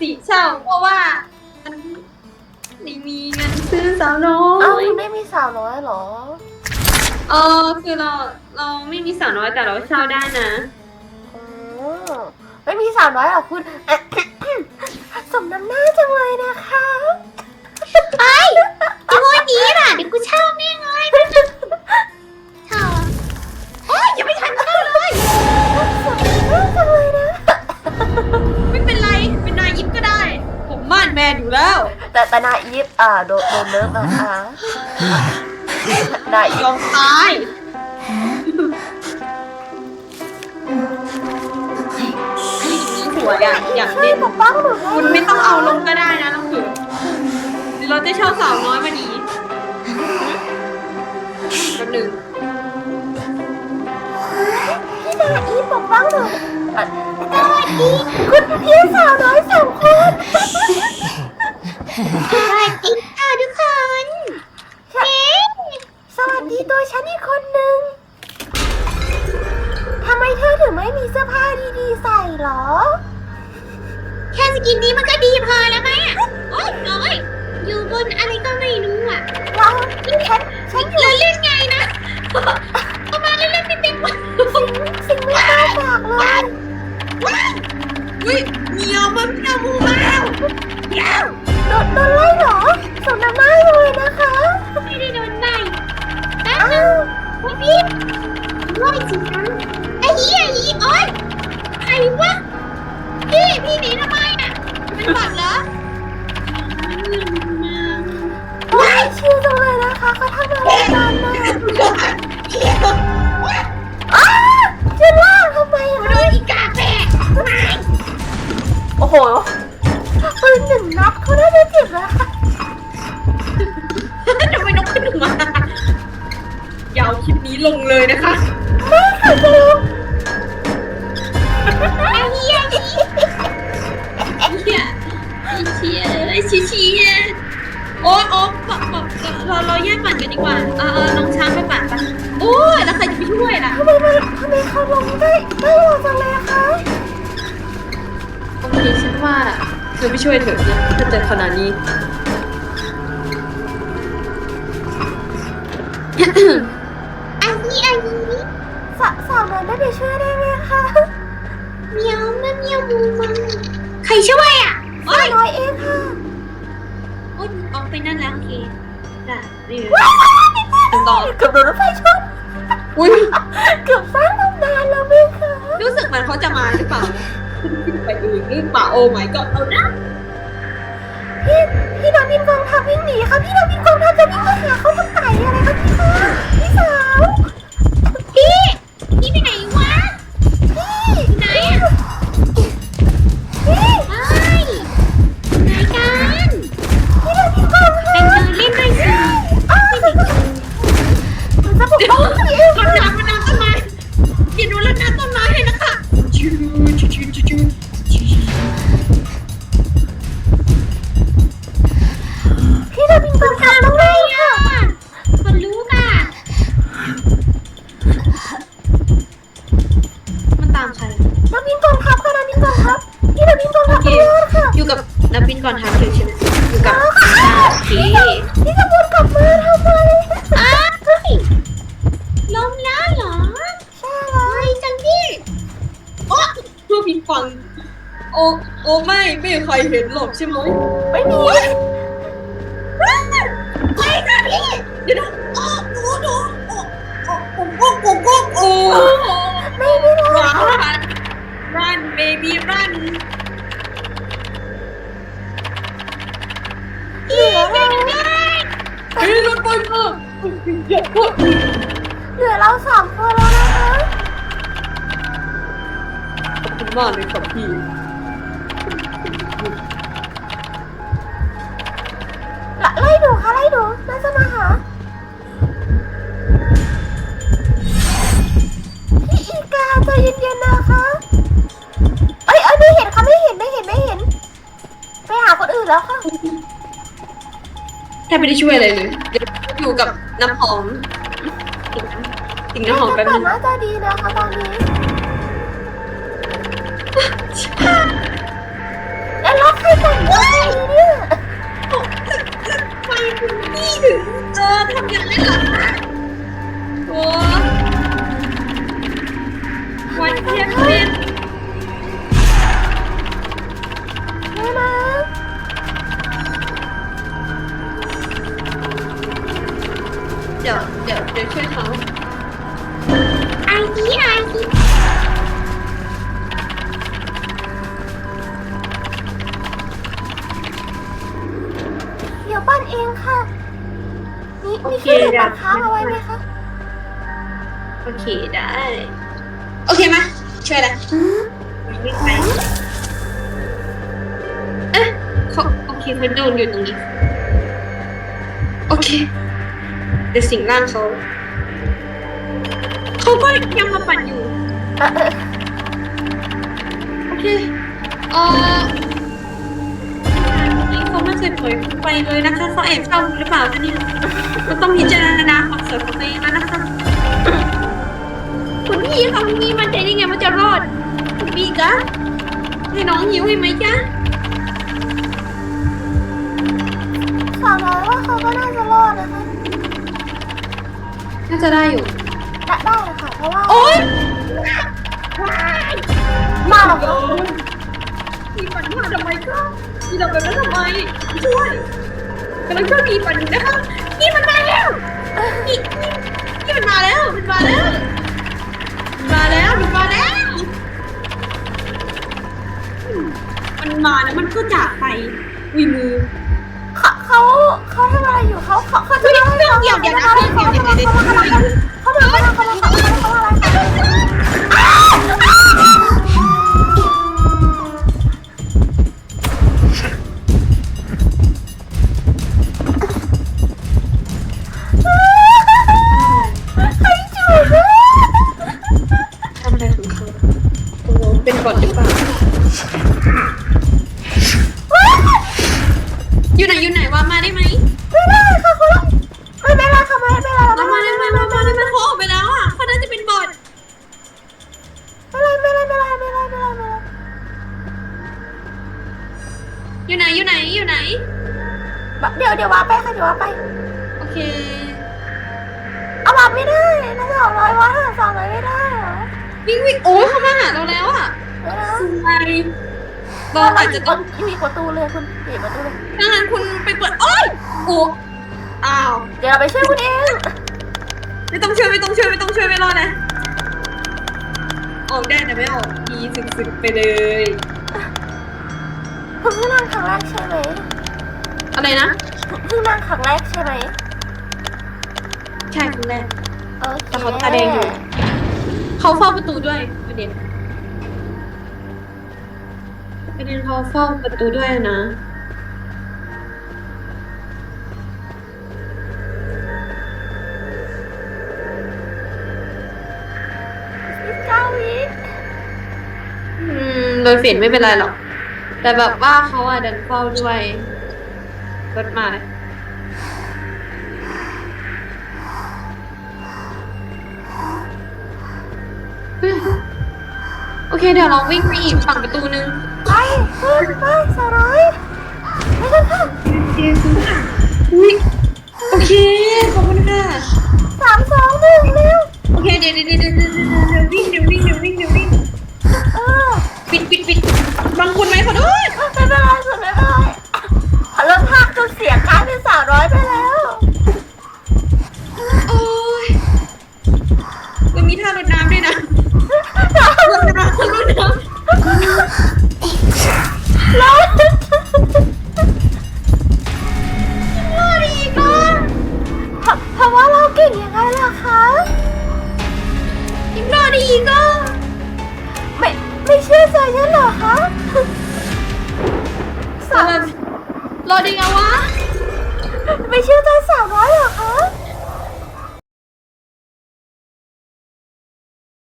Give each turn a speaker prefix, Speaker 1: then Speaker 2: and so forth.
Speaker 1: สิเช่าเพราะว่ามันไม่มีเงินซื้อสาวน้อ
Speaker 2: เอ้าย ไม่มีสาวน้อยเหรอ
Speaker 1: คือเราไม่มีสาวน้อยแต่เราเช่าได้นะ
Speaker 2: อ๋อไม่มีสาวน้อยเหรอคุณ สมน้ำหน้าจังเลยนะคะ
Speaker 3: จะพูดดีล่ะเดี๋ยวกูเช่าแม่งเลยเช่าโอ๊ยยังไม่ทันเช่าเลย
Speaker 2: สมน้ำหน้าจังเลยนะ
Speaker 1: ไม่เป็นไรเป็นนายยิปก็ได้ ผมม่านแมนอยู่แล้ว
Speaker 2: แต่นายอีฟโดนเลิฟนะคะนายอี
Speaker 1: ย
Speaker 2: ฟ
Speaker 1: อมตายสวยอ่ะอยาก
Speaker 2: ช่วย
Speaker 1: เล่น
Speaker 2: ปกป้องหนูให้
Speaker 1: คุณไม่ต้องเอาลงก็ได้นะน้องถือหรือเราจะเช่าสาวน้อยมาดีแป๊บหนึ่ง
Speaker 2: พี่นายอีฟปกป้องหนูสวัสดีคุณพี่สาวน้อยสองคน
Speaker 3: สวัสดีค่ะทุกคนเฮ้
Speaker 2: สวัสดีตัวฉันอีกคนนึงทำไมเธอถึงไม่มีเสื้อผ้าดีๆใส่หรอ
Speaker 3: แค่สกินนี้มันก็ดีพอแล้วไหมอ่ะโอ๊ยโอ๊ยอยู่บนอะไรก็ไม่รู้อ่ะ
Speaker 2: ฉันอยู่
Speaker 3: เราเล่นไงนะเอามาเล่นๆเต็มๆวัน
Speaker 2: สิ่งไม่กล้าบอกเลย
Speaker 1: อุ้ยเมียวมันเมียวมูมาแล้วเมียว
Speaker 2: โดนไล่เหรอสมน้ำหน้าเลยนะคะ
Speaker 3: ไม่ได้โดนไล่แป๊บนึงโอ๊ยพี่ว่าจริงนะไอ้เหี้ยอีโอ๊ยใครวะพี่หนีทำไมอ่ะเป็นบัตรเหรอ
Speaker 2: ว้ายชิวจังเลยนะคะเขาทำอะไรกันนะอ้าจะล่าทำไม
Speaker 3: โดนอีกาแตกไม่
Speaker 2: โอ้โหปืนหนึ่งนัดเขาน่าจะเจ็บแล้วค่ะ
Speaker 1: ทำไมนกขึ้นมาอย่าเอาคลิปนี้ลงเลยนะคะ
Speaker 2: ไม่ค่ะเจม
Speaker 3: ไอ้เหี้ยอี
Speaker 1: เชี่ยเชี่ยเชี่ยโอ๊ยเราแยกปั่นกันดีกว่าน้องช้างไปปั่นปะโอ้ยแล้วใครจะไปช่วยล่ะ
Speaker 2: ทำไมเขาลงได้เร็วจังเลยอะคะ
Speaker 1: โอเคฉันว่าเธอไปช่วยเถอะนะถ้าเจอขนาดนี้
Speaker 3: อันนี้
Speaker 2: สาวนั้นได้ไปช่วยได้ไหมคะ
Speaker 3: เมียวมันเมียวมูมันใครช่วยอ่ะ
Speaker 1: โอ๊ย
Speaker 2: น้อยเองค่ะ
Speaker 1: โอ๊ยออกไปนั่นแล้วโอเคจ้ะนี่ต่อ
Speaker 2: เกือบโดนรถไฟชน
Speaker 1: อุ้ย
Speaker 2: เกือบสร้างตำนานแล้วไหมคะ
Speaker 1: รู้สึกเหมือนเขาจะมาหรือเปล่าไปเองหรือเปล่าโอ้ my god เอานะ
Speaker 2: พี่ดาวินกองทัพวิ่งหนีค่ะพี่ดาวินกองทัพจะวิ่งมาหาเขาทำไมอะไรคะพี่คะพี่สาว
Speaker 3: พี่ไปไหนวะ ไหนอ่ะ
Speaker 2: พี่
Speaker 3: เฮ้ยไหนกัน
Speaker 2: พี่ดาวินกองทัพ
Speaker 3: ไปเดินเล่นด้วยสิ
Speaker 2: มันจะปกป้องพี่เอง
Speaker 1: รดน้ำต้นไม้อย่าดูรดน้ำต้นไม้ให้นะคะชิวชิวชิวชิวชิว
Speaker 2: พี่ดาวินกองทัพต้องไล่ค่ะ
Speaker 3: คนรู้ค่ะ
Speaker 1: มันตามใคร
Speaker 2: ดาวินกองทัพค่ะดาวินกองทัพพี่ดาวินกอง
Speaker 1: โอ
Speaker 2: ทัพ
Speaker 1: เค
Speaker 2: เยอะค่ะ
Speaker 1: อยู่กับนับบินก่อนทางเลยใช่ไหมอยู่กับโอเค
Speaker 2: พี่จะวนกลับมาทำไม
Speaker 3: อ้าวลมแล้วเหรอ
Speaker 2: ใช่แล้ว
Speaker 3: ไวจังพี่
Speaker 1: โอ้เพื่อพิงฟังโอ้ไม่มีใครเห็นหรอกใช่ไหม
Speaker 2: ไม่มี
Speaker 3: ไปค่ะพี่
Speaker 1: เดี๋ยวนะโอ้โอ้
Speaker 2: ไม่ได้
Speaker 1: run baby run
Speaker 3: พี่ช่วยหนูด้วย
Speaker 1: เฮ้ยรถไฟมาอย่าพูด
Speaker 2: เหลือเราสองคนแล้วนะคะ
Speaker 1: ขอบคุณมากเลยครับพี่
Speaker 2: ไล่ดูค่ะไล่ดูน่าจะมาหาพี่อีกาใจเย็นๆนะคะเอ้ยไม่เห็นค่ะไม่เห็นไปหาคนอื่นแล้วค่ะ
Speaker 1: แทบไม่ได้ช่วยอะไรเลยเดี๋ยวอยู่กับน้ำหอมติ่งน้ำหอมแป๊บนึง
Speaker 2: น่าจะดีนะคะตอนนี้แล้วใครแต่งตัวเนี่ย
Speaker 1: ไฟคุณพี่ถึงทำอย่างนั้นเหรอคะโอ้วันเทียบเป็น
Speaker 2: ไม่นะ
Speaker 1: เดี๋ยวช่วยเขา
Speaker 3: ไอ้ที่ไอ้ที่
Speaker 2: เดี๋ยวปั้นเองค่ะมีเครื่องดื่มปั่นค้างเอาไว้ไหมคะ
Speaker 1: โอเคได้โอเคมาช่วยละวิ่งไปเขาโอเคเขาโดนอยู่ตรงนี้โอเคเดี๋ยวสิงร่างเขาก็ยังมาปั่นอยู่โอเคนี่เขาไม่เคยปล่อยไปเลยนะคะเขาแอบเข้าหรือเปล่าคะเนี่ยก็ต้องพิจารณาความสวยของตัวเองแล้วนะคะคุณพี่เขามีมันใจได้ไงว่าจะรอดคุณพี่จ๊ะให้น้องหิวให้ไหมจ๊ะ
Speaker 2: สาวน้อยว่าเขาก็น่าจะรอดนะคะ
Speaker 1: น่าจะได้อยู่
Speaker 2: ได้เลยค่ะเพราะว่า
Speaker 1: โอ๊ย
Speaker 2: มาหรอกค่ะ
Speaker 1: พี่ปั่นมาทำไมคะพี่ทำแบบนั้นทำไมช่วยกำลังช่วยพี่ปั่นอยู่นะคะพี่มันมาแล้วพี่มันมาแล้วมันมาแล้วมันมาแล้วมันก็จากไปวิมือ
Speaker 2: เขาทำอะไรอยู่เขาจะ
Speaker 1: เดี๋ยวนะเดี๋ยว
Speaker 2: เขามาอะไรใครจูบ
Speaker 1: ทำอะไรของเขาโอ้เป็นบอทหรือเปล่าอยู่ไหนวะมาได้ไหม
Speaker 2: ไม่ได้ค่ะคุณไม่ได้ค่ะไม่ได้
Speaker 1: มาได้ไหมเขาออกไปแล้วอ่ะเขาน่าจะเป็นบอทอยู่ไหน
Speaker 2: เดี๋ยววาไปค่ะเดี๋ยววาไป
Speaker 1: โอเค
Speaker 2: เอาวาไม่ได้น่าจะ200วา200ไม่ได้เหรอ
Speaker 1: วิ่งโอ้ยเขามาหาเราแล้วอ่ะ
Speaker 2: ไม่ได้
Speaker 1: ใช่เราอาจจะต้อง
Speaker 2: มีประตูเลยคุณปิดประตูเลย
Speaker 1: ดังนั้นคุณไปเปิดโอ๊ยโอ้อ้าว
Speaker 2: เดี๋ยวเราไปช่วยคุณเอง
Speaker 1: ไม่ต้องช่วยไม่รอดนะออกได้แต่ไม่ออกดีสึกไปเลย
Speaker 2: คุณเพิ่งนั่งครั้งแรกใช่ไหม
Speaker 1: อะไรนะ
Speaker 2: เพิ่งนั่งครั้งแรกใช่ไหม
Speaker 1: ใช่ครั้งแรก
Speaker 2: โอเค
Speaker 1: แต่เขาตาแดงอยู่ เขาเฝ้าประตูด้วยประเด็นเขาเฝ้าประตูด้วยนะ
Speaker 2: 19 วิ
Speaker 1: โดยเฟดไม่เป็นไรหรอก แต่แบบว่าเขาอะดันเฝ้าด้วยรถมาโอเคเดี๋ยวเราวิ่งไปอีกฝั่งประตูนึง
Speaker 2: ไป200ไม่กันค่ะ
Speaker 1: อุ๊ยโอเคขอบคุณค่ะ
Speaker 2: 3 2 1เร็ว
Speaker 1: โอเคเดี๋ยววิ่งปิดบางคนไหมขอโทษ
Speaker 2: ไม่เป็นไรสุดไม่เป็นไรขอลดภาคจนเสียงกลายเป็น300ไปแล้ว
Speaker 1: โอ้ยมันมีท่ารดน้ำด้วยนะรดน้ำ
Speaker 2: แล้ว
Speaker 1: รอดอีกเนาะ
Speaker 2: เพราะว่าเราเก่งยังไงล่ะคะ
Speaker 1: ยังรอดอีกอ่ะ
Speaker 2: ไม่เชื่อใจฉันเหรอคะ
Speaker 1: รอดอีกแล้ววะ
Speaker 2: ไม่เชื่อใจ300เหรอคะ